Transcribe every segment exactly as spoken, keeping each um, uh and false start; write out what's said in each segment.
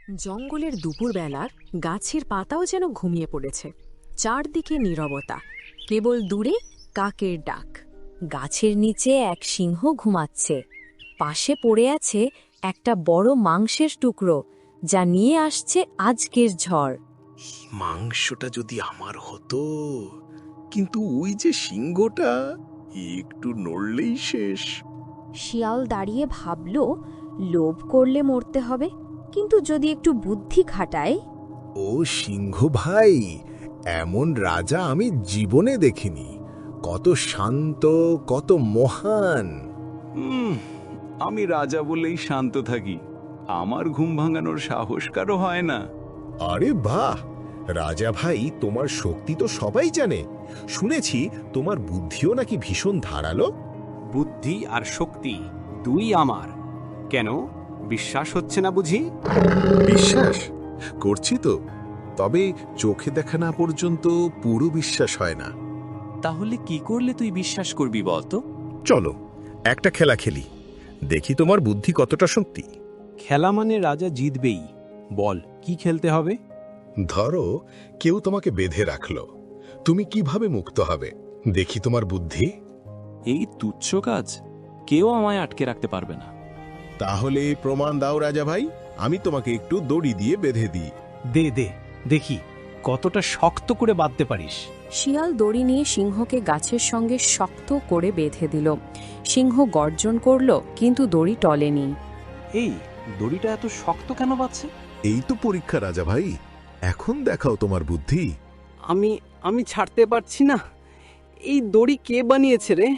জঙ্গলের দুপুরবেলার গাছের পাতাও যেন ঘুমিয়ে পড়েছে। চারদিকে নীরবতা, কেবল দূরে কাকের ডাক। গাছের নিচে এক সিংহ ঘুমাচ্ছে। পাশে পড়ে আছে একটা বড় মাংসের টুকরো, যা নিয়ে আসছে আজকের ঝড়। মাংসটা যদি আমার হতো, কিন্তু ওই যে সিংহটা একটু নড়লেই শেষ। শিয়াল দাঁড়িয়ে ভাবল, লোভ করলে মরতে হবে, কিন্তু যদি একটু বুদ্ধি খাটায়। ও সিংহ ভাই, এমন রাজা আমি জীবনে দেখিনি। কত শান্ত, কত মহান। হুম আমি রাজা বলেই শান্ত থাকি, আমার ঘুম ভাঙানোর সাহস কারো হয় না। আরে বাহ রাজা ভাই, তোমার শক্তি তো সবাই জানে। শুনেছি তোমার বুদ্ধিও নাকি ভীষণ ধারালো। বুদ্ধি আর শক্তি দুই আমার। কেন, বিশ্বাস হচ্ছে না বুঝি? বিশ্বাস করছি তো, তবে চোখে দেখা না পর্যন্ত পুরো বিশ্বাস হয় না। তাহলে কি করলে তুই বিশ্বাস করবি বলতো? চলো একটা খেলা খেলি, দেখি তোমার বুদ্ধি কতটা শক্তি। খেলা মানে রাজা জিতবেই। বল, কি খেলতে হবে? ধরো কেউ তোমাকে বেঁধে রাখলো, তুমি কিভাবে মুক্ত হবে, দেখি তোমার বুদ্ধি। এই তুচ্ছ কাজ, কেউ আমায় আটকে রাখতে পারবে না। তাহলে প্রমাণ দাও রাজা ভাই, আমি তোমাকে একটু দড়ি দিয়ে বেঁধে দিই। দে দে দেখি কতটা শক্ত করে বাঁধতে পারিস। শিয়াল দড়ি নিয়ে সিংহকে গাছের সঙ্গে শক্ত করে বেঁধে দিল। সিংহ গর্জন করল, কিন্তু দড়ি টলেনি। এই দড়িটা এত শক্ত কেন বাঁধছে? এই তো পরীক্ষা রাজা ভাই, এখন দেখাও তোমার বুদ্ধি। আমি আমি ছাড়তে পারছি না। এই দড়ি কে বানিয়েছে রে?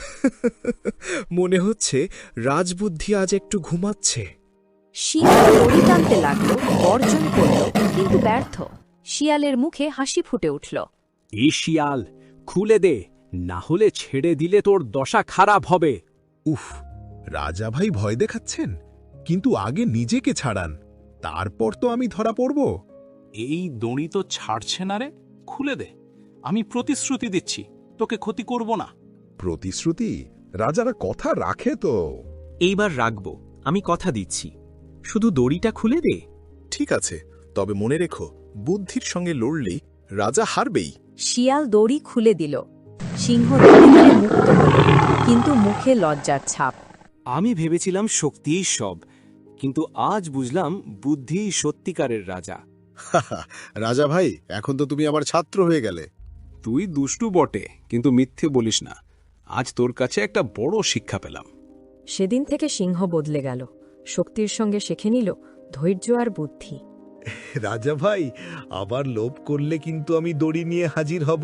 মনে হচ্ছে রাজবুদ্ধি আজ একটু ঘুমাচ্ছে। সিংহ দড়ি টানতে লাগলো, গর্জন করল, কিন্তু ব্যর্থ। শিয়ালের মুখে হাসি ফুটে উঠল। এই শিয়াল, খুলে দে, না হলে ছেড়ে দিলে তোর দশা খারাপ হবে। উফ, রাজা ভাই ভয় দেখাচ্ছেন, কিন্তু আগে নিজেকে ছাড়ান, তারপর তো আমি ধরা পড়ব। এই দড়ি তো ছাড়ছে না রে, খুলে দে। আমি প্রতিশ্রুতি দিচ্ছি, তোকে ক্ষতি করব না। প্রতিশ্রুতি? রাজারা কথা রাখে তো। এইবার রাখবো, আমি কথা দিচ্ছি। শুধু দড়িটা খুলে দে। ঠিক আছে, তবে মনে রেখো, বুদ্ধির সঙ্গে লড়লেই রাজা হারবেই। শিয়াল দড়ি খুলে দিল। সিংহ ধীরে ধীরে মুক্ত হল, কিন্তু মুখে লজ্জার ছাপ। আমি ভেবেছিলাম শক্তিই সব, কিন্তু আজ বুঝলাম বুদ্ধিই সত্যিকারের রাজা। রাজা ভাই, এখন তো তুমি আমার ছাত্র হয়ে গেলে। তুই দুষ্টু বটে, কিন্তু মিথ্যে বলিস না। আজ তোর কাছে একটা বড় শিক্ষা পেলাম। সেদিন থেকে সিংহ বদলে গেল। শক্তির সঙ্গে শিখে নিল ধৈর্য আর বুদ্ধি। রাজা ভাই, আবার লোভ করলে কিন্তু আমি দড়ি নিয়ে হাজির হব।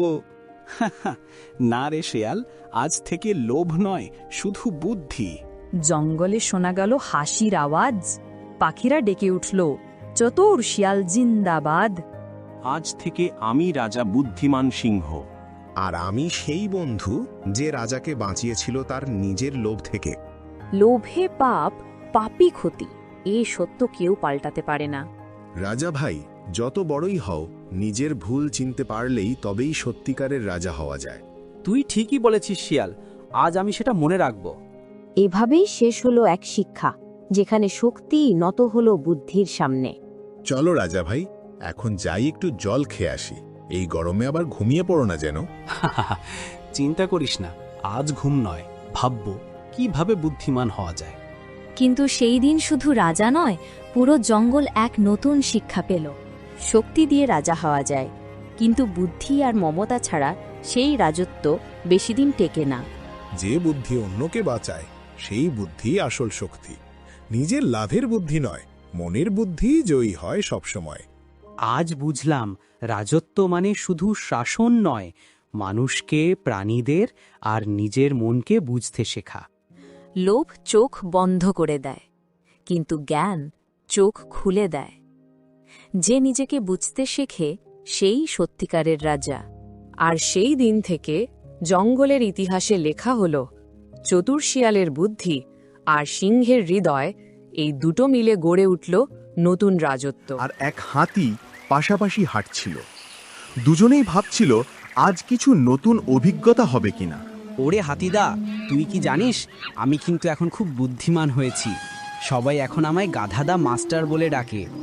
না রে শেয়াল, আজ থেকে লোভ নয়, শুধু বুদ্ধি। জঙ্গলে শোনা গেল হাসির আওয়াজ। পাখিরা ডেকে উঠল, চতুর শিয়াল জিন্দাবাদ। আজ থেকে আমি রাজা বুদ্ধিমান সিংহ। আর আমি সেই বন্ধু যে রাজাকে বাঁচিয়েছিল তার নিজের লোভ থেকে। লোভে পাপ, পাপই ক্ষতি। এই সত্য কেউ পাল্টাতে পারে না। রাজা ভাই, যত বড়ই হও, নিজের ভুল চিনতে পারলেই তবেই সত্যিকারের রাজা হওয়া যায়। তুই ঠিকই বলেছিস শিয়াল, আজ আমি সেটা মনে রাখব। এভাবেই শেষ হলো এক শিক্ষা, যেখানে শক্তি নত হলো বুদ্ধির সামনে। চলো রাজা ভাই, এখন যাই একটু জল খেয়ে আসি। এই গরমে আবার ঘুমিয়ে পড়ো না যেন। চিন্তা করিস না, আজ ঘুম নয়, ভাববো কিভাবে বুদ্ধিমান হওয়া যায়। কিন্তু সেই দিন শুধু রাজা নয়, পুরো জঙ্গল এক নতুন শিক্ষা পেল। শক্তি দিয়ে রাজা হওয়া যায়, কিন্তু বুদ্ধি আর মমতা ছাড়া সেই রাজত্ব বেশিদিন টেকে না। যে বুদ্ধি অন্যকে বাঁচায়, সেই বুদ্ধি আসল শক্তি। নিজের লাভের বুদ্ধি নয়, মনের বুদ্ধি জয়ী হয় সবসময়। আজ বুঝলাম, রাজত্ব মানে শুধু শাসন নয়, মানুষকে, প্রাণীদের আর নিজের মনকে বুঝতে শেখা। লোভ চোখ বন্ধ করে দেয়, কিন্তু জ্ঞান চোখ খুলে দেয়। যে নিজেকে বুঝতে শেখে, সেই সত্যিকারের রাজা। আর সেই দিন থেকে জঙ্গলের ইতিহাসে লেখা হল, চতুর শিয়ালের বুদ্ধি আর সিংহের হৃদয়, এই দুটো মিলে গড়ে উঠল নতুন রাজত্ব। আর এক হাতি পাশাপাশি হাঁটছিল। দুজনেই ভাবছিল আজ কিছু নতুন অভিজ্ঞতা হবে কিনা। ওরে হাতিদা, তুই কি জানিস, আমি কিন্তু এখন খুব বুদ্ধিমান হয়েছি। সবাই এখন আমায় গাধাদা মাস্টার বলে ডাকে।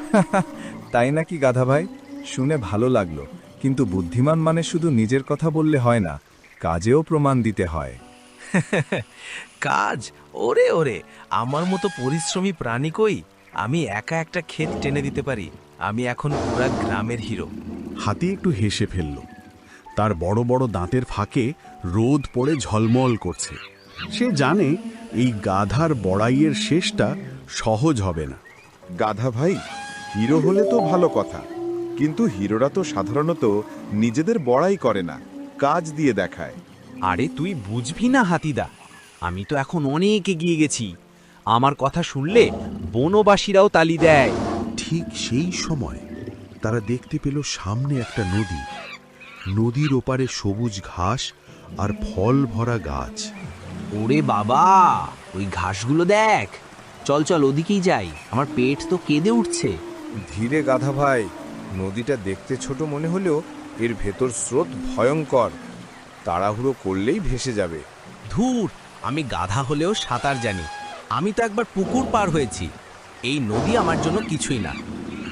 তাই নাকি গাধা ভাই? শুনে ভালো লাগলো, কিন্তু বুদ্ধিমান মানে শুধু নিজের কথা বললে হয় না, কাজেও প্রমাণ দিতে হয়। কাজ? ওরে ওরে, আমার মতো পরিশ্রমী প্রাণী কই? আমি একা একটা ক্ষেত টেনে দিতে পারি। আমি এখন পুরা গ্রামের হিরো। হাতি একটু হেসে ফেলল। তার বড় বড় দাঁতের ফাঁকে রোদ পড়ে ঝলমল করছে। সে জানে এই গাধার বড়াইয়ের শেষটা সহজ হবে না। গাধা ভাই, হিরো হলে তো ভালো কথা, কিন্তু হিরোরা তো সাধারণত নিজেদের বড়াই করে না, কাজ দিয়ে দেখায়। আরে তুই বুঝবি না হাতিদা, আমি তো এখন অনেক এগিয়ে গেছি। আমার কথা শুনলে বনবাসীরাও তালি দেয়। ঠিক সেই সময় তারা দেখতে পেল সামনে একটা নদী। নদীর ওপারে সবুজ ঘাস আর ফল ভরা গাছ। ওরে বাবা, ওই ঘাসগুলো দেখ। চল চল ওদিকেই যাই, আমার পেট তো কেঁদে উঠছে। ধীরে গাধা ভাই, নদীটা দেখতে ছোট মনে হলেও এর ভেতর স্রোত ভয়ঙ্কর, তাড়াহুড়ো করলেই ভেসে যাবে। ধুর, আমি গাধা হলেও সাঁতার জানি। আমি তো একবার পুকুর পার হয়েছি। এই নদী আমার জন্য কিছুই না।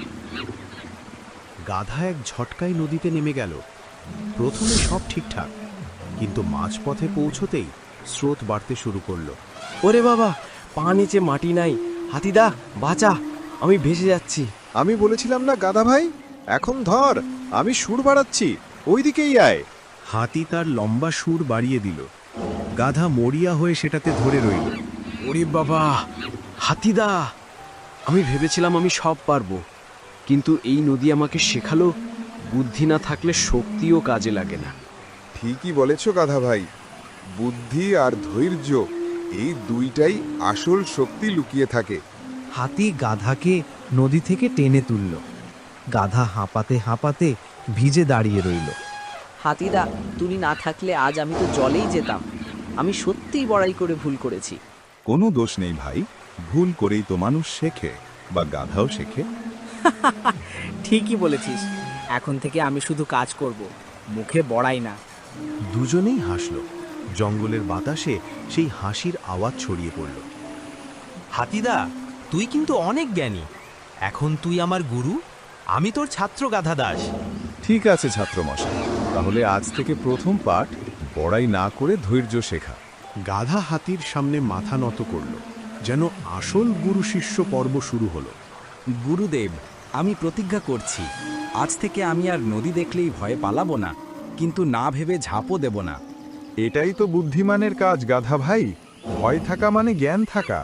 গাধা এক ঝটকায় নদীতে নেমে গেল। প্রথমে সব ঠিকঠাক, কিন্তু মাঝপথে পৌঁছতেই স্রোত বাড়তে শুরু করলো। ওরে বাবা, পা নিচে মাটি নাই, হাতিদা বাঁচা, আমি ভেসে যাচ্ছি। আমি বলেছিলাম না গাধা ভাই, এখন ধর, আমি সুর বাড়াচ্ছি, ওইদিকেই আয়। হাতি তার লম্বা সুর বাড়িয়ে দিল। গাধা মরিয়া হয়ে সেটাতে ধরে রইল। ওরে বাবা, হাতিদা, আমি ভেবেছিলাম আমি সব পারবো, কিন্তু এই নদী আমাকে শেখালো বুদ্ধি না থাকলে শক্তিও কাজে লাগে না। ঠিকই বলেছ গাধা ভাই, বুদ্ধি আর ধৈর্য, এই দুইটাই আসল শক্তি লুকিয়ে থাকে। হাতি গাধাকে নদী থেকে টেনে তুলল। গাধা হাঁপাতে হাঁপাতে ভিজে দাঁড়িয়ে রইল। হাতিদা, তুমি না থাকলে আজ আমি তো জলেই যেতাম। আমি সত্যিই বড়াই করে ভুল করেছি। কোনো দোষ নেই ভাই, ভুল করেই তো মানুষ শেখে, বা গাধাও শেখে। ঠিকই বলেছিস, এখন থেকে আমি শুধু কাজ করব, মুখে বড়াই না। দুজনেই হাসল। জঙ্গলের বাতাসে সেই হাসির আওয়াজ ছড়িয়ে পড়ল। হাতিদা, তুই কিন্তু অনেক জ্ঞানী। এখন তুই আমার গুরু, আমি তোর ছাত্র গাধা দাস। ঠিক আছে ছাত্রমশাই, তাহলে আজ থেকে প্রথম পাঠ বড়াই না করে ধৈর্য শেখা। গাধা হাতির সামনে মাথা নত করল, যেন আসল গুরু শিষ্য পর্ব শুরু হলো। গুরুদেব, আমি প্রতিজ্ঞা করছি, আজ থেকে আমি আর নদী দেখলেই ভয়ে পালাবো না, কিন্তু না ভেবে ঝাঁপও দেব না। এটাই তো বুদ্ধিমানের কাজ গাধা ভাই, ভয় থাকা মানে জ্ঞান থাকা।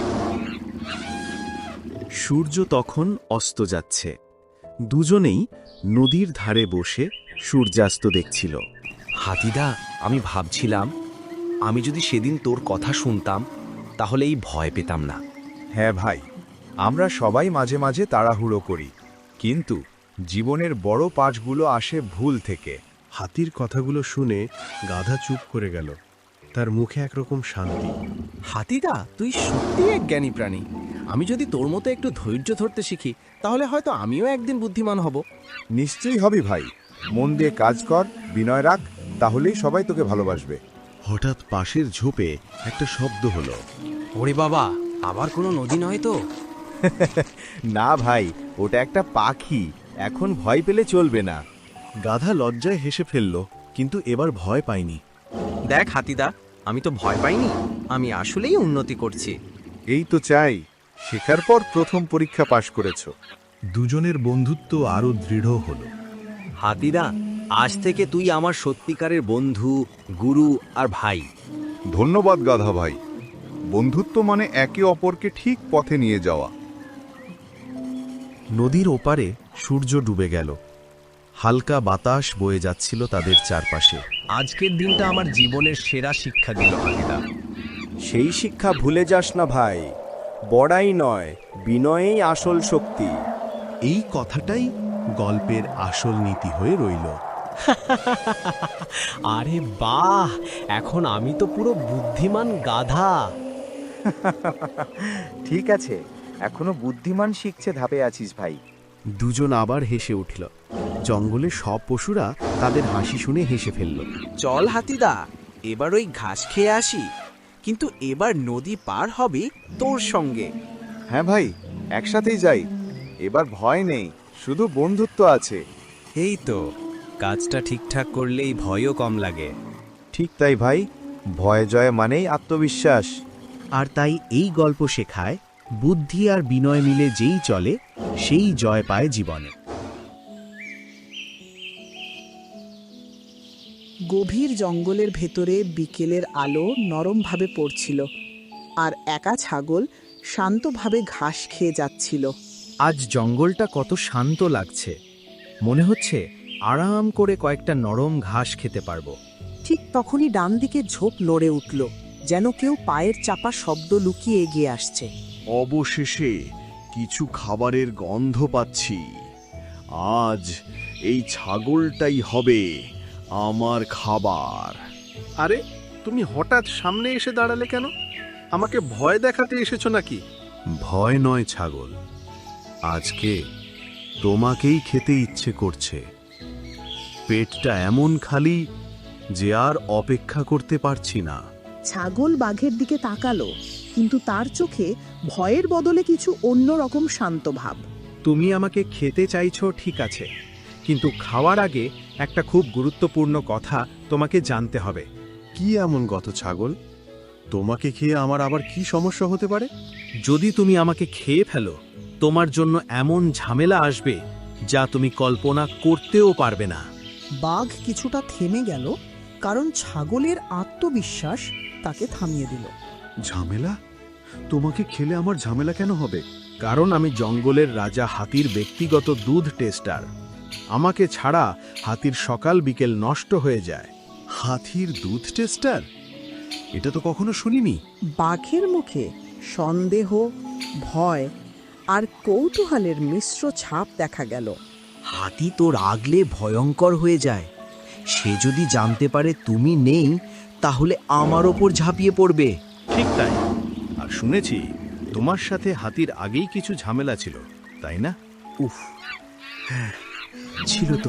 সূর্য তখন অস্ত যাচ্ছে। দুজনেই নদীর ধারে বসে সূর্যাস্ত দেখছিল। হাতিদা, আমি ভাবছিলাম, আমি যদি সেদিন তোর কথা শুনতাম তাহলে এই ভয় পেতাম না। হ্যাঁ ভাই, আমরা সবাই মাঝে মাঝে তাড়াহুড়ো করি, কিন্তু জীবনের বড় পাঠগুলো আসে ভুল থেকে। হাতির কথাগুলো শুনে গাধা চুপ করে গেল। তার মুখে একরকম শান্তি। হাতিদা, তুই সত্যি এক জ্ঞানী প্রাণী। আমি যদি তোর মতো একটু ধৈর্য ধরতে শিখি, তাহলে হয়তো আমিও একদিন বুদ্ধিমান হব। নিশ্চয়ই হবি ভাই, মন দিয়ে কাজ কর, বিনয় রাখ, তাহলেই সবাই তোকে ভালোবাসবে। হঠাৎ পাশের ঝোপে একটা শব্দ হলো। ওরে বাবা, আবার কোনো নদী নয় তো? না ভাই, ওটা একটা পাখি, এখন ভয় পেলে চলবে না। গাধা লজ্জায় হেসে ফেলল, কিন্তু এবার ভয় পায়নি। দেখ হাতিদা, আমি তো ভয় পাইনি, আমি আসলেই উন্নতি করছি। এই তো চাই, শেখার পর প্রথম পরীক্ষা পাশ করেছো। দুজনের বন্ধুত্ব আরো দৃঢ় হলো। হাতিদা, আজ থেকে তুই আমার সত্যিকারের বন্ধু, গুরু আর ভাই। ধন্যবাদ গাধা ভাই, বন্ধুত্ব মানে একে অপরকে ঠিক পথে নিয়ে যাওয়া। নদীর ওপারে সূর্য ডুবে গেল। হালকা বাতাস বয়ে যাচ্ছিল তাদের চারপাশে। আজকের দিনটা আমার জীবনের সেরা শিক্ষা দিল হাতিদা। সেই শিক্ষা ভুলে যাস না ভাই, বড়াই নয়, বিনয়েই আসল শক্তি। এই কথাটাই গল্পের আসল নীতি হয়ে রইল। আরে বাহ, এখন আমি তো পুরো বুদ্ধিমান গাধা। ঠিক আছে, এখনো বুদ্ধিমান শিখছে ধাপে আছিস ভাই। দুজন আবার হেসে উঠল। জঙ্গলে সব পশুরা তাদের হাসি শুনে হেসে ফেলল। চল হাতিদা, এবার ওই ঘাস খেয়ে আসি, কিন্তু এবার নদী পার হবে তোর সঙ্গে। হ্যাঁ ভাই, একসাথেই যাই। এবার ভয় নেই, শুধু বন্ধুত্ব আছে। এই তো, কাজটা ঠিকঠাক করলেই ভয়ও কম লাগে। ঠিক তাই ভাই, ভয় জয় মানেই আত্মবিশ্বাস। আর তাই এই গল্প শেখায়, বুদ্ধি আর বিনয় মিলে যেই চলে সেই জয় পায় জীবনে। গভীর জঙ্গলের ভেতরে বিকেলের আলো নরমভাবে পড়ছিল, আর একা ছাগল শান্তভাবে ঘাস খেয়ে যাচ্ছিল। আজ জঙ্গলটা কত শান্ত লাগছে, মনে হচ্ছে আরাম করে কয়েকটা নরম ঘাস খেতে পারবো। ঠিক তখনই ডান দিকে ঝোপ নড়ে উঠল, যেন কেউ পায়ের চাপা শব্দ লুকিয়ে এগিয়ে আসছে। অবশেষে কিছু খাবারের গন্ধ পাচ্ছি। আজ এই ছাগলটাই হবে আমার খাবার। আরে, তুমি হঠাৎ সামনে এসে দাঁড়ালে কেন? আমাকে ভয় দেখাতে এসেছো নাকি? ভয় নয় ছাগল, আজকে তোমাকেই খেতে ইচ্ছে করছে। পেটটা এমন খালি যে আর অপেক্ষা করতে পারছি না। ছাগল বাঘের দিকে তাকালো, কিন্তু তার চোখে ভয়ের বদলে কিছু অন্যরকম শান্ত ভাব। তুমি আমাকে খেতে চাইছো ঠিক আছে, কিন্তু খাওয়ার আগে একটা খুব গুরুত্বপূর্ণ কথা তোমাকে জানতে হবে। কি এমন গত ছাগল? তোমাকে খেয়ে আমার আবার কি সমস্যা হতে পারে? যদি তুমি আমাকে খেয়ে ফেলো, তোমার জন্য এমন ঝামেলা আসবে যা তুমি কল্পনা করতেও পারবে না। বাঘ কিছুটা থেমে গেল, কারণ ছাগলের আত্মবিশ্বাস তাকে থামিয়ে দিল। ঝামেলা? তোমাকে খেলে আমার ঝামেলা কেন হবে? কারণ আমি জঙ্গলের রাজা হাতির ব্যক্তিগত দুধ টেস্টার। আমাকে ছাড়া হাতির সকাল বিকেল নষ্ট হয়ে যায়। হাতির দুধ টেস্টার? এটা তো কখনো শুনিনি। বাঘের মুখে সন্দেহ, ভয় আর কৌতূহলের মিশ্র ছাপ দেখা গেল। হাতি তো রাগলে ভয়ঙ্কর হয়ে যায়। সে যদি জানতে পারে তুমি নেই, তাহলে আমার ওপর ঝাঁপিয়ে পড়বে। ঠিক তাই। আর শুনেছি তোমার সাথে হাতির আগেই কিছু ঝামেলা ছিল, তাই না? উফ, হ্যাঁ ছিল তো।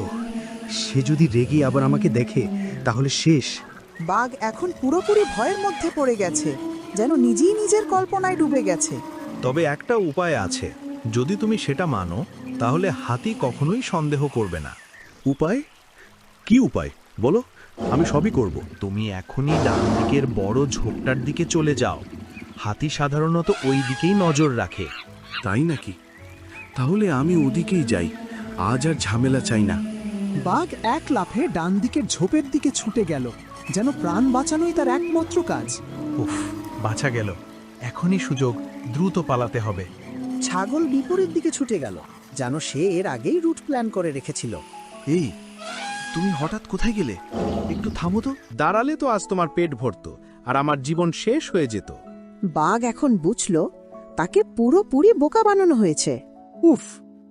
সে যদি রেগে আবার আমাকে দেখে, তাহলে শেষ। বাঘ এখন পুরোপুরি ভয়ের মধ্যে পড়ে গেছে, যেন নিজেই নিজের কল্পনায় ডুবে গেছে। তবে একটা উপায় আছে, যদি তুমি সেটা মানো, তাহলে হাতি কখনোই সন্দেহ করবে না। উপায়? কি উপায় বলো, আমি সবই করব। তুমি এখনই ডান দিকের বড় ঝোপটার দিকে চলে যাও। হাতি সাধারণত ওই দিকেই নজর রাখে। তাই নাকি? তাহলে আমি ওদিকেই যাই, আজ আর ঝামেলা চাই না। বাঘ এক লাফে ডান দিকের ঝোপের দিকে ছুটে গেল, যেন প্রাণ বাঁচানোই তার একমাত্র কাজ। উফ, বাঁচা গেল। এখনই সুযোগ, দ্রুত পালাতে হবে। ছাগল বিপরীত দিকে ছুটে গেল, যেন সে এর আগেই রুট প্ল্যান করে রেখেছিল। এই, তুমি হঠাৎ কোথায় গেলে? একটু থামো তো। দাঁড়ালে তো আজ তোমার পেট ভরত, আর আমার জীবন শেষ হয়ে যেত। বাঘ এখন বুঝল তাকে পুরোপুরি বোকা বানানো হয়েছে। উফ,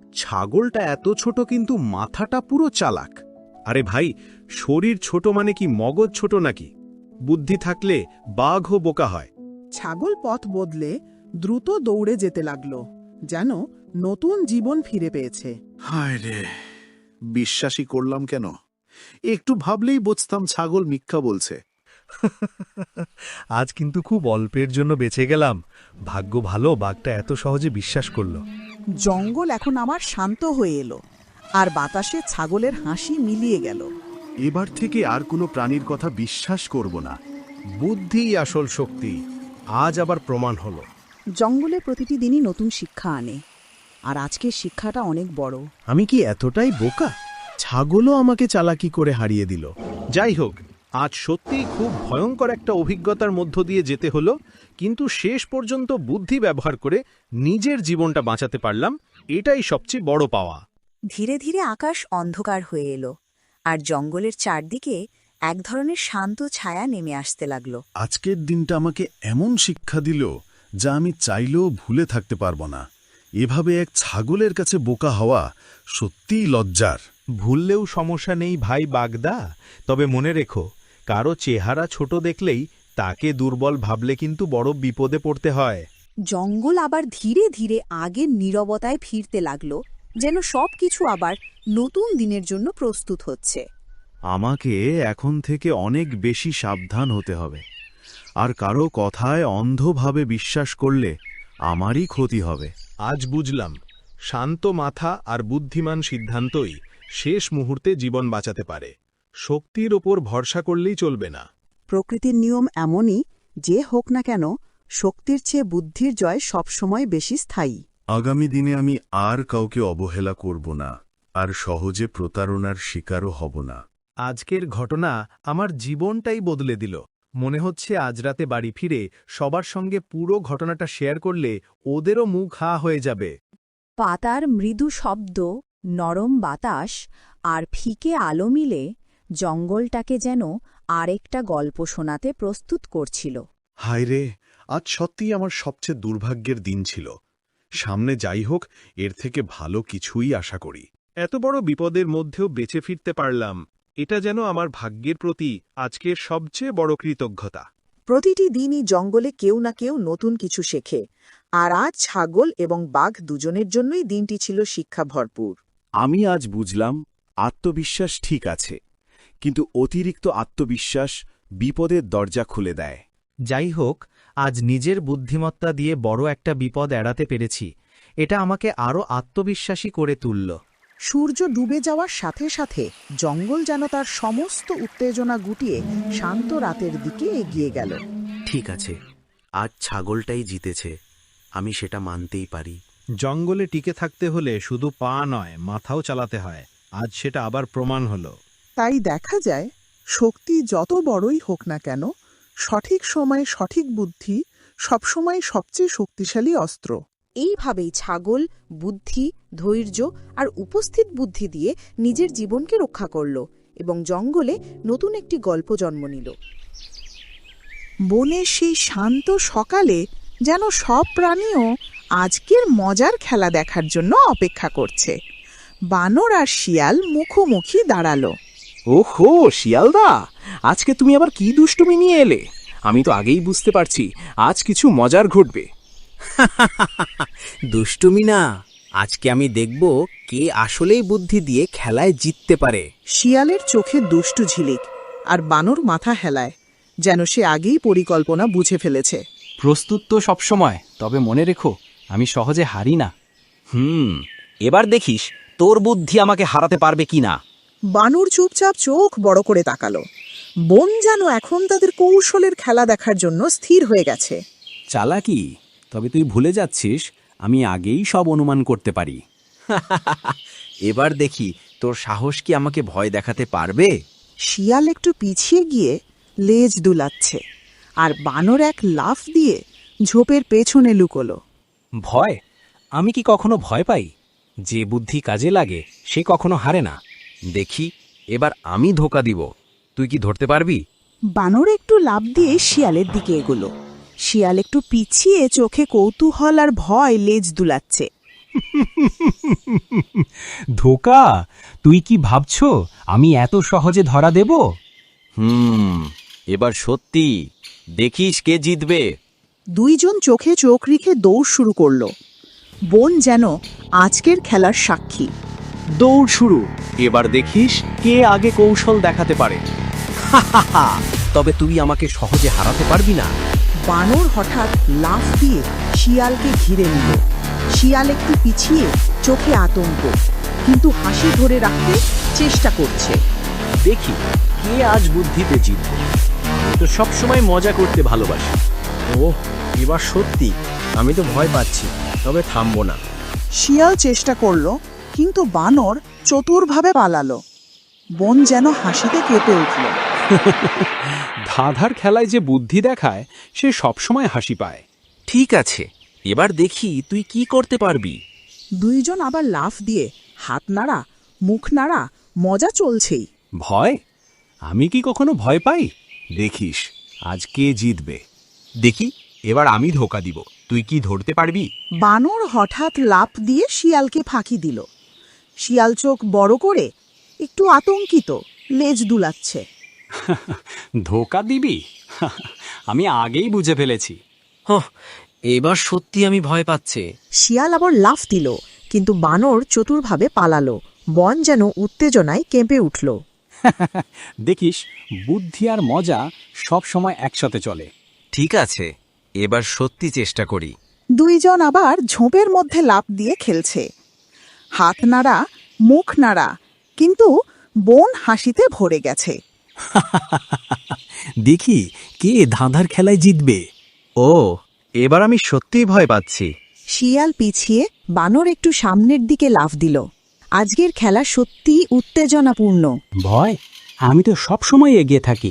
ছাগলটা এত ছোট কিন্তু মাথাটা পুরো চালাক। আরে ভাই, শরীর ছোট মানে কি মগজ ছোট নাকি? বুদ্ধি থাকলে বাঘও বোকা হয়। ছাগল পথ বদলে দ্রুত দৌড়ে যেতে লাগলো, যেন নতুন জীবন ফিরে পেয়েছে। হায় রে, বিশ্বাসই করলাম কেন? একটু ভাবলেই বুঝতাম ছাগল মিথ্যা বলছে। আজ কিন্তু খুব অল্পের জন্য বেঁচে গেলাম। ভাগ্য ভালো বাঘটা এত সহজে বিশ্বাস করলো। জঙ্গল এখন আবার শান্ত হয়ে এলো, আর বাতাসে ছাগলের হাসি মিলিয়ে গেল। এবার থেকে আর কোনো প্রাণীর কথা বিশ্বাস করব না। বুদ্ধিই আসল শক্তি, আজ আবার প্রমাণ হলো। জঙ্গলে প্রতিটি দিনই নতুন শিক্ষা আনে, আর আজকের শিক্ষাটা অনেক বড়। আমি কি এতটাই বোকা? ছাগলও আমাকে চালাকি করে হারিয়ে দিল। যাই হোক, আজ সত্যিই খুব ভয়ঙ্কর একটা অভিজ্ঞতার মধ্য দিয়ে যেতে হলো, কিন্তু শেষ পর্যন্ত বুদ্ধি ব্যবহার করে নিজের জীবনটা বাঁচাতে পারলাম, এটাই সবচেয়ে বড় পাওয়া। ধীরে ধীরে আকাশ অন্ধকার হয়ে এলো, আর জঙ্গলের চারদিকে এক ধরনের শান্ত ছায়া নেমে আসতে লাগলো। আজকের দিনটা আমাকে এমন শিক্ষা দিল যা আমি চাইলেও ভুলে থাকতে পারবো না। এভাবে এক ছাগলের কাছে বোকা হওয়া সত্যিই লজ্জার। ভুললেও সমস্যা নেই ভাই বাগদা, তবে মনে রেখো, কারো চেহারা ছোট দেখলেই তাকে দুর্বল ভাবলে কিন্তু বড় বিপদে পড়তে হয়। জঙ্গল আবার ধীরে ধীরে আগের নীরবতায় ফিরতে লাগলো, যেন সবকিছু আবার নতুন দিনের জন্য প্রস্তুত হচ্ছে। আমাকে এখন থেকে অনেক বেশি সাবধান হতে হবে, আর কারো কথায় অন্ধভাবে বিশ্বাস করলে আমারই ক্ষতি হবে। আজ বুঝলাম, শান্ত মাথা আর বুদ্ধিমান সিদ্ধান্তই শেষ মুহূর্তে জীবন বাঁচাতে পারে। শক্তির ওপর ভরসা করলেই চলবে না। প্রকৃতির নিয়ম এমনই, যে হোক না কেন শক্তির চেয়ে বুদ্ধির জয় সবসময় বেশি স্থায়ী। আগামী দিনে আমি আর কাউকে অবহেলা করব না, আর সহজে প্রতারণার শিকারও হব না। আজকের ঘটনা আমার জীবনটাই বদলে দিল। মনে হচ্ছে আজ রাতে বাড়ি ফিরে সবার সঙ্গে পুরো ঘটনাটা শেয়ার করলে ওদেরও মুখ হা হয়ে যাবে। পাতার মৃদু শব্দ, নরম বাতাস আর ফিকে আলো মিলে জঙ্গলটাকে যেন আরেকটা গল্প শোনাতে প্রস্তুত করছিল। হায় রে, আজ সত্যিই আমার সবচেয়ে দুর্ভাগ্যের দিন ছিল। সামনে যাই হোক, এর থেকে ভালো কিছুই আশা করি। এত বড় বিপদের মধ্যেও বেঁচে ফিরতে পারলাম, এটা যেন আমার ভাগ্যের প্রতি আজকের সবচেয়ে বড় কৃতজ্ঞতা। প্রতিটি দিনই জঙ্গলে কেউ না কেউ নতুন কিছু শেখে, আর আজ ছাগল এবং বাঘ দুজনের জন্যই দিনটি ছিল শিক্ষা ভরপুর। আমি আজ বুঝলাম, আত্মবিশ্বাস ঠিক আছে, কিন্তু অতিরিক্ত আত্মবিশ্বাস বিপদের দরজা খুলে দেয়। যাই হোক, আজ নিজের বুদ্ধিমত্তা দিয়ে বড় একটা বিপদ এড়াতে পেরেছি। এটা আমাকে আরও আত্মবিশ্বাসী করে তুলল। সূর্য ডুবে যাওয়ার সাথে সাথে জঙ্গল যেন তার সমস্ত উত্তেজনা গুটিয়ে শান্ত রাতের দিকে এগিয়ে গেল। ঠিক আছে, আজ ছাগলটাই জিতেছে, আমি সেটা মানতেই পারি। জঙ্গলে টিকে থাকতে হলে শুধু পা নয়, মাথাও চালাতে হয়। আজ সেটা আবার প্রমাণ হলো। তাই দেখা যায়, শক্তি যত বড়ই হোক না কেন, সঠিক সময়ে সঠিক বুদ্ধি সবসময় সবচেয়ে শক্তিশালী অস্ত্র। এইভাবেই ছাগল বুদ্ধি, ধৈর্য আর উপস্থিত বুদ্ধি দিয়ে নিজের জীবনকে রক্ষা করল এবং জঙ্গলে নতুন একটি গল্প জন্ম নিল। বনের সেই শান্ত সকালে যেন সব প্রাণীও আজকের মজার খেলা দেখার জন্য অপেক্ষা করছে। বানর আর শিয়াল মুখোমুখি দাঁড়ালো। ওহো শিয়ালদা, আজকে তুমি আবার কি দুষ্টুমি নিয়ে এলে? আমি তো আগেই বুঝতে পারছি আজ কিছু মজার ঘটবে। দুষ্টুমি না, আজকে আমি দেখব কে আসলেই বুদ্ধি দিয়ে খেলায় জিততে পারে। শিয়ালের চোখে দুষ্টু ঝিলিক, আর বানর মাথা হেলায়, যেন সে আগেই পরিকল্পনা বুঝে ফেলেছে। প্রস্তুত তো সবসময়, তবে মনে রেখো আমি সহজে হারি না। হুম, এবার দেখিস তোর বুদ্ধি আমাকে হারাতে পারবে কিনা। বানর চুপচাপ চোখ বড় করে তাকালো। বন যেন এখন তাদের কৌশলের খেলা দেখার জন্য স্থির হয়ে গেছে। চালাকি, তবে তুই ভুলে যাচ্ছিস আমি আগেই সব অনুমান করতে পারি। এবার দেখি তোর সাহস কি আমাকে ভয় দেখাতে পারবে। শিয়াল একটু পিছিয়ে গিয়ে লেজ দুলাচ্ছে, আর বানর এক লাফ দিয়ে ঝোপের পেছনে লুকোলো। ভয়? আমি কি কখনো ভয় পাই? যে বুদ্ধি কাজে লাগে সে কখনো হারে না। দেখি এবার আমি ধোকা দিব, তুই কি ধরতে পারবি? বানর একটু লাফ দিয়ে শিয়ালের দিকে এগোলো। শিয়াল একটু পিছিয়ে চোখে কৌতূহল আর ভয় লেজ দুলাচ্ছে। ধোকা? তুই কি ভাবছো আমি এত সহজে ধরা দেব? হুম, এবার সত্যি দেখিস কে জিতবে। দুইজন চোখে চোখ রেখে দৌড় শুরু করলো। বন যেন আজকের খেলার সাক্ষী। দৌড় শুরু, এবার দেখিস কে আগে কৌশল দেখাতে পারে। তবে তুই আমাকে সহজে হারাতে পারবি না। বানর হঠাৎ লাফ দিয়ে শিয়ালকে ঘিরে নিল। শিয়াল একটু পিছিয়ে, চোখে আতঙ্ক, কিন্তু হাসি ধরে রাখতে চেষ্টা করছে। দেখি কে আজ বুদ্ধিতে জিতবে। আমি তো সবসময় মজা করতে ভালোবাসি। ও এবার সত্যি আমি তো ভয় পাচ্ছি, তবে থামবো না। শিয়াল চেষ্টা করলো, কিন্তু বানর চতুরভাবে পালালো। বন যেন হাসিতে কেঁপে উঠল। ধাঁধার খেলায় যে বুদ্ধি দেখায় সে সবসময় হাসি পায়। ঠিক আছে, এবার দেখি তুই কি করতে পারবি। দুইজন আবার লাফ দিয়ে হাত নাড়া, মুখ নাড়া, মজা চলছেই। ভয়? আমি কি কখনো ভয় পাই? দেখিস আজ কে জিতবে। দেখি এবার আমি ধোকা দিব, তুই কি ধরতে পারবি? বানর হঠাৎ লাফ দিয়ে শিয়ালকে ফাঁকি দিল। শিয়াল চোখ বড় করে একটু আতঙ্কিত, লেজ দুলাচ্ছে। ধোকা দিবি? আমি আগেই বুঝে ফেলেছি। এবার সত্যি আমি ভয় পাচ্ছে। শিয়াল আবার লাফ দিল, কিন্তু বানর চতুরভাবে পালালো। বন যেন উত্তেজনায় কেঁপে উঠল। দেখিস বুদ্ধি আর মজা সব সময় একসাথে চলে। ঠিক আছে, এবার সত্যি চেষ্টা করি। দুইজন আবার ঝোপের মধ্যে লাফ দিয়ে খেলছে, হাত নাড়া, মুখ নাড়া, কিন্তু বন হাসিতে ভরে গেছে। দেখি কে ধাঁধার খেলায় জিতবে। ও, এবার আমি সত্যিই ভয় পাচ্ছি। শিয়াল পিছিয়ে বানর একটু সামনের দিকে লাফ দিল। আজকের খেলা সত্যিই উত্তেজনাপূর্ণ। ভয়? আমি তো সব সময় এগিয়ে থাকি।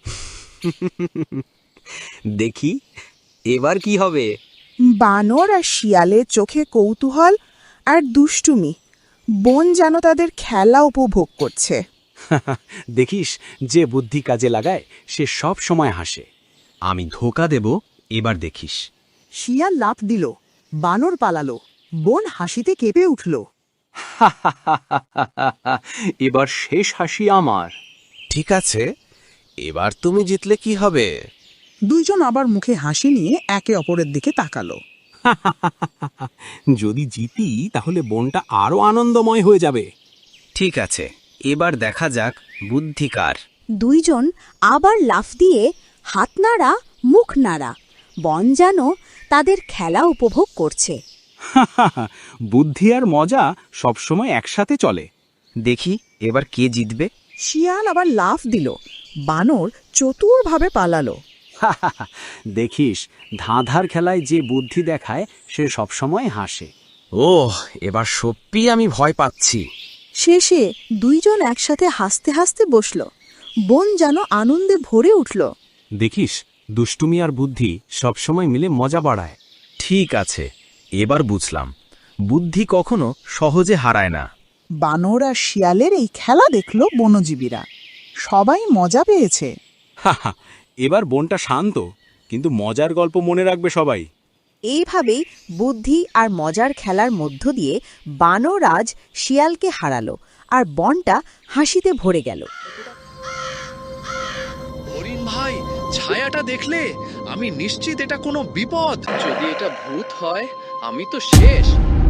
দেখি এবার কি হবে। বানর আর শিয়ালের চোখে কৌতূহল আর দুষ্টুমি। বন যেন তাদের খেলা উপভোগ করছে। দেখিস, যে বুদ্ধি কাজে লাগায় সে সব সময় হাসে। আমি ধোকা দেব, এবার দেখিস। শিয়াল লাফ দিল, বানর পালালো, বন হাসিতে কেঁপে উঠল। এবার শেষ হাসি আমার। ঠিক আছে, এবার তুমি জিতলে কি হবে? দুইজন আবার মুখে হাসি নিয়ে একে অপরের দিকে তাকালো। যদি জিতি তাহলে বনটা আরো আনন্দময় হয়ে যাবে। ঠিক আছে, এবার দেখা যাক বুদ্ধি কার। দুইজন আবার লাফ দিয়ে হাত নাড়া, মুখ নাড়া, বন যেন তাদের খেলা উপভোগ করছে। বুদ্ধি আর মজা সবসময় একসাথে চলে। দেখি এবার কে জিতবে। শিয়াল আবার লাফ দিল, বানর চতুরভাবে পালালো। দেখিস, ধাঁধার খেলায় যে বুদ্ধি দেখায় সে সবসময় হাসে। ওহ, এবার সত্যি আমি ভয় পাচ্ছি। শেষে দুইজন একসাথে হাসতে হাসতে বসল। বন যেন আনন্দে ভরে উঠল। দেখিস, দুষ্টুমি আর বুদ্ধি সবসময় মিলে মজা বাড়ায়। ঠিক আছে, এবার বুঝলাম বুদ্ধি কখনো সহজে হারায় না। বানর আর শিয়ালের এই খেলা দেখল বনজীবীরা। সবাই মজা পেয়েছে। এবার বনটা শান্ত, কিন্তু মজার গল্প মনে রাখবে সবাই। এইভাবেই বুদ্ধি আর মজার খেলার মধ্য দিয়ে বানর আজ শিয়ালকে হারালো, আর বনটা হাসিতে ভরে গেল। হরিণ ভাই, ছায়াটা দেখলে? আমি নিশ্চিত এটা কোনো বিপদ। যদি এটা ভূত হয়, আমি তো শেষ।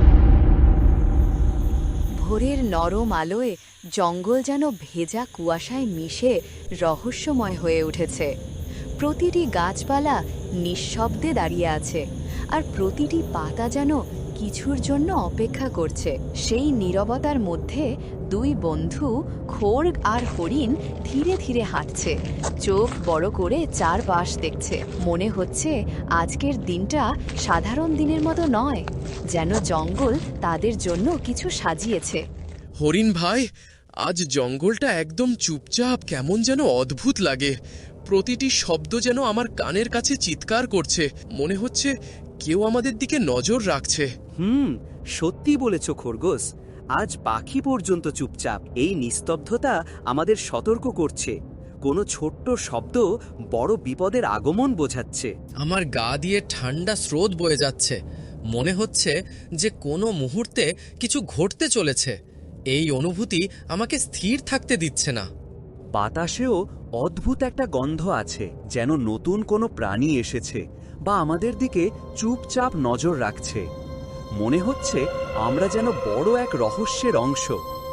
ভোরের নরম আলোয় জঙ্গল যেন ভেজা কুয়াশায় মিশে রহস্যময় হয়ে উঠেছে। প্রতিটি গাছপালা নিঃশব্দে দাঁড়িয়ে আছে, আর প্রতিটি পাতা যেন কিছুর জন্য অপেক্ষা করছে। সেই নীরবতার মধ্যে দুই বন্ধু খোর্গ আর হরিণ ধীরে ধীরে হাঁটছে, চোখ বড় করে চারপাশ দেখছে। মনে হচ্ছে আজকের দিনটা সাধারণ দিনের মতো নয়, যেন জঙ্গল তাদের জন্য কিছু সাজিয়েছে। হরিণ ভাই, আজ জঙ্গলটা একদম চুপচাপ, কেমন যেন অদ্ভুত লাগে। প্রতিটি শব্দ যেন আমার কানের কাছে চিৎকার করছে। মনে হচ্ছে কেউ আমাদের দিকে নজর রাখছে। হুম, সত্যি বলেছ খরগোশ। আজ পাখি পর্যন্ত চুপচাপ। এই নিস্তব্ধতা আমাদের সতর্ক করছে। কোনো ছোট্ট শব্দ বড় বিপদের আগমন বোঝাচ্ছে। আমার গা দিয়ে ঠান্ডা স্রোত বয়ে যাচ্ছে। মনে হচ্ছে যে কোনো মুহূর্তে কিছু ঘটতে চলেছে। এই অনুভূতি আমাকে স্থির থাকতে দিচ্ছে না। বাতাসেও অদ্ভুত একটা গন্ধ আছে, যেন নতুন কোনো প্রাণী এসেছে বা আমাদের দিকে চুপচাপ নজর রাখছে। মনে হচ্ছে আমরা যেন বড় এক রহস্যের অংশ।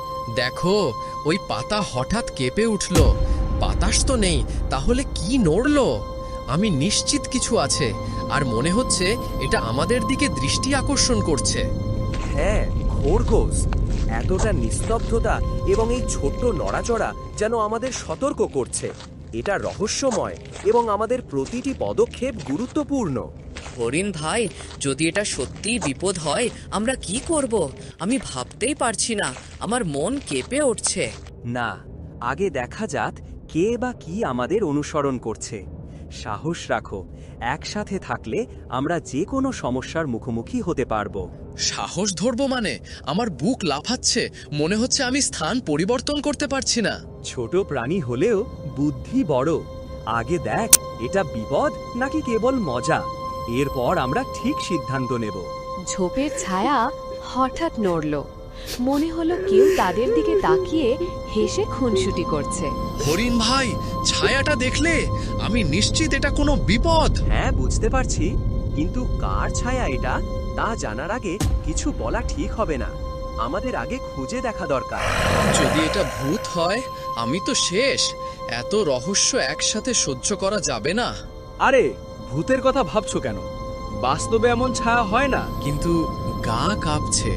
দেখো, ওই পাতা হঠাৎ কেঁপে উঠল। বাতাস তো নেই, তাহলে কি নড়ল? আমি নিশ্চিত কিছু আছে, আর মনে হচ্ছে এটা আমাদের দিকে দৃষ্টি আকর্ষণ করছে। হ্যাঁ খরগোশ, এতটা নিস্তব্ধতা এবং এই ছোট্ট নড়াচড়া যেন আমাদের সতর্ক করছে। এটা রহস্যময় এবং আমাদের প্রতিটি পদক্ষেপ গুরুত্বপূর্ণ। হরিণ ভাই, যদি এটা সত্যিই বিপদ হয়, আমরা কি করব? আমি ভাবতেই পারছি না, আমার মন কেঁপে উঠছে। না, আগে দেখা যাক কে বা কি আমাদের অনুসরণ করছে। সাহস রাখো, একসাথে থাকলে আমরা যে কোনো সমস্যার মুখোমুখি হতে পারবো। সাহস ধরবো মানে? আমার বুক লাফাচ্ছে। মনে হচ্ছে আমি স্থান পরিবর্তন করতে পারছি না। ছোট প্রাণী হলেও বুদ্ধি বড়। আগে দেখ এটা বিপদ নাকি কেবল মজা, এরপর আমরা ঠিক সিদ্ধান্ত নেব। ঝোপের ছায়া হঠাৎ নড়ল। মনে হলো কেউ তাদের দিকে তাকিয়ে হেসে খুনসুটি করছে। হরিণ ভাই, ছায়াটা দেখলে? আমি নিশ্চিত এটা কোনো বিপদ। হ্যাঁ, বুঝতে পারছি, কিন্তু কার ছায়া এটা তা জানার আগে কিছু বলা ঠিক হবে না। আমাদের আগে খুঁজে দেখা দরকার। যদি এটা ভূত হয়, আমি তো শেষ। এত রহস্য একসাথে সহ্য করা যাবে না। আরে, ভূতের কথা ভাবছো কেন? বাস্তবে এমন ছায়া হয় না। কিন্তু গা কাঁপছে।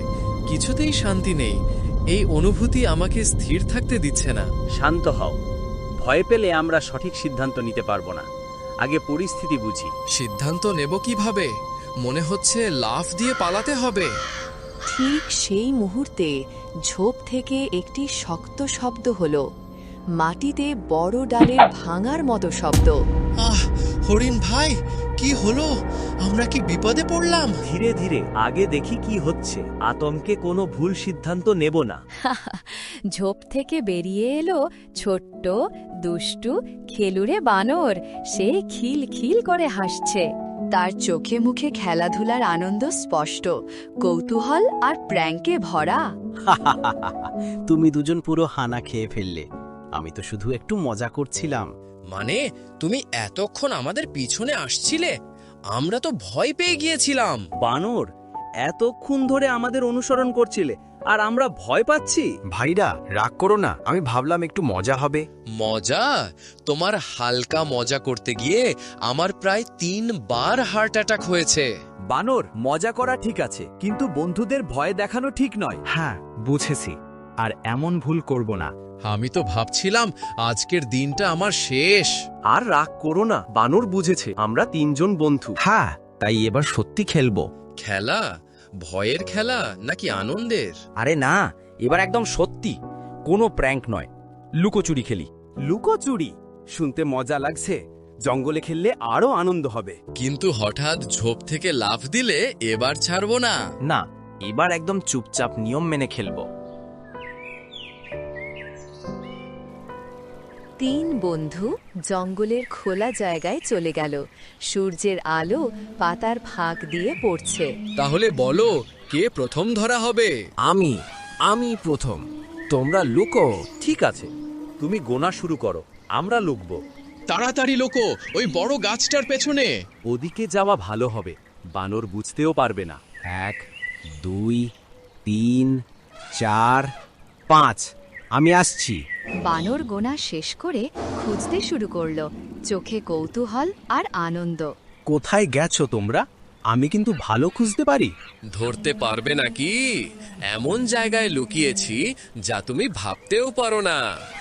কিছুতেই শান্তি নেই। এই অনুভূতি আমাকে স্থির থাকতে দিচ্ছে না। শান্ত হও, ভয় পেলে আমরা সঠিক সিদ্ধান্ত নিতে পারবো না। আগে পরিস্থিতি বুঝি। সিদ্ধান্ত নেব কিভাবে? মনে হচ্ছে লাফ দিয়ে পালাতে হবে। ঠিক সেই মুহূর্তে ঝোপ থেকে একটি শক্ত শব্দ হলো, মাটিতে বড় ডালের ভাঙার মতো শব্দ। আহ, হরিণ ভাই, কি হলো? আমরা কি বিপদে পড়লাম? ধীরে ধীরে আগে দেখি কি হচ্ছে। আতঙ্কে কোনো ভুল সিদ্ধান্ত নেব না। ঝোপ থেকে বেরিয়ে এলো ছোট্ট দুষ্টু খেলুরে বানর। সে খিল খিল করে হাসছে। তার চোখে মুখে খেলাধুলার আনন্দ স্পষ্ট, কৌতূহল আর প্র্যাঙ্কে ভরা। তুমি দুজন পুরো হানা খেয়ে ফেললে। আমি তো শুধু একটু মজা করছিলাম। মানে তুমি এতক্ষণ আমাদের পিছনে আসছিলে? আমরা তো ভয় পেয়ে গিয়েছিলাম। বানর, এতক্ষণ ধরে আমাদের অনুসরণ করছিলে আর আমরা ভয় পাচ্ছি। ভাইরা রাগ করো না, আমি ভাবলাম একটু মজা হবে। মজা? তোমার হালকা মজা করতে গিয়ে আমার প্রায় তিন বার হার্ট অ্যাটাক হয়েছে। বানর, মজা করা ঠিক আছে, কিন্তু বন্ধুদের ভয় দেখানো ঠিক নয়। হ্যাঁ বুঝেছি, আর এমন ভুল করব না। আমি তো ভাবছিলাম আজকের দিনটা আমার শেষ। আর রাগ করো না, বানর বুঝেছে আমরা তিনজন বন্ধু। হ্যাঁ, তাই এবার সত্যি খেলবো। খেলা? ভয়ের খেলা নাকি আনন্দের? আরে না, এবার একদম সত্যি, কোনো প্র্যাঙ্ক নয়। লুকোচুরি খেলি। লুকোচুরি শুনতে মজা লাগছে। জঙ্গলে খেললে আরো আনন্দ হবে। কিন্তু হঠাৎ ঝোপ থেকে লাফ দিলে এবার ছাড়বো না। না, এবার একদম চুপচাপ নিয়ম মেনে খেলবো। তিন বন্ধু জঙ্গলের খোলা জায়গায় চলে গেল। সূর্যের আলো পাতার ফাঁক দিয়ে পড়ছে। তাহলে বলো, কে প্রথম ধরা হবে? আমি আমি প্রথম। তোমরা লুকো। ঠিক আছে, তুমি গোনা শুরু করো, আমরা লুকবো। তাড়াতাড়ি লোকো, ওই বড় গাছটার পেছনে। ওদিকে যাওয়া ভালো হবে, বানর বুঝতেও পারবে না। এক, দুই, তিন, চার, পাঁচ। আমি আসছি। বানর গোনা শেষ করে খুঁজতে শুরু করলো, চোখে কৌতূহল আর আনন্দ। কোথায় গেছো তোমরা? আমি কিন্তু ভালো খুঁজতে পারি। ধরতে পারবে নাকি? এমন জায়গায় লুকিয়েছি যা তুমি ভাবতেও পারো না।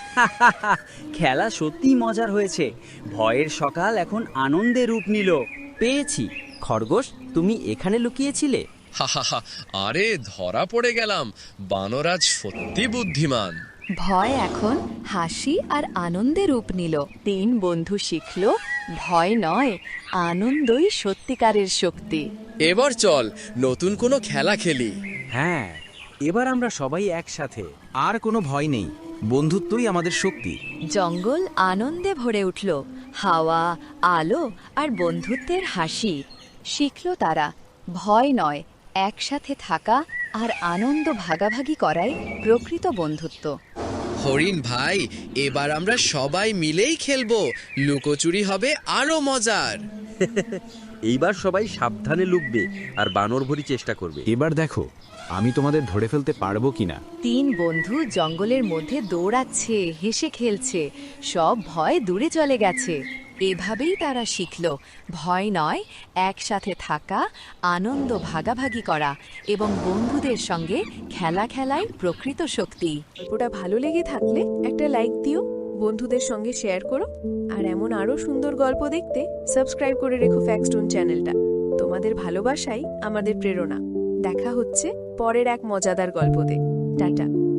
খেলা সত্যি মজার হয়েছে। ভয়ের সকাল এখন আনন্দে রূপ নিল। পেয়েছি। খরগোশ, তুমি এখানে লুকিয়েছিলে? হাহাহা, আরে ধরা পড়ে গেলাম। বানরাজ সত্যি বুদ্ধিমান। ভয় এখন হাসি আর আনন্দে রূপ নিল। তিন বন্ধু শিখল, ভয় নয়, আনন্দই সত্যিকারের শক্তি। এবার চল নতুন কোনো খেলা খেলি। হ্যাঁ, এবার আমরা সবাই একসাথে। আর কোনো ভয় নেই, বন্ধুত্বই আমাদের শক্তি। জঙ্গল আনন্দে ভরে উঠল, হাওয়া, আলো আর বন্ধুত্বের হাসি। শিখল তারা, ভয় নয়, একসাথে থাকা আর আনন্দ ভাগাভাগি করাই প্রকৃত বন্ধুত্ব। হরিণ ভাই, এবার আমরা সবাই মিলেই খেলবো। লুকোচুরি হবে আরো মজার। এইবার সবাই সাবধানে লুকবে আর বানর ভরি চেষ্টা করবে। এবার দেখো আমি তোমাদের ধরে ফেলতে পারবো কিনা। তিন বন্ধু জঙ্গলের মধ্যে দৌড়াচ্ছে, হেসে খেলছে, সব ভয় দূরে চলে গেছে। এভাবেই তারা শিখল, ভয় নয়, একসাথে থাকা, আনন্দ ভাগাভাগি করা এবং বন্ধুদের সঙ্গে খেলা খেলাই প্রকৃত শক্তি। ওটা ভালো লেগে থাকলে একটা লাইক দিও, বন্ধুদের সঙ্গে শেয়ার করো, আর এমন আরও সুন্দর গল্প দেখতে সাবস্ক্রাইব করে রেখো ফ্যাক্সটোন চ্যানেলটা। তোমাদের ভালোবাসাই আমাদের প্রেরণা। দেখা হচ্ছে পরের এক মজাদার গল্পতে। টাটা।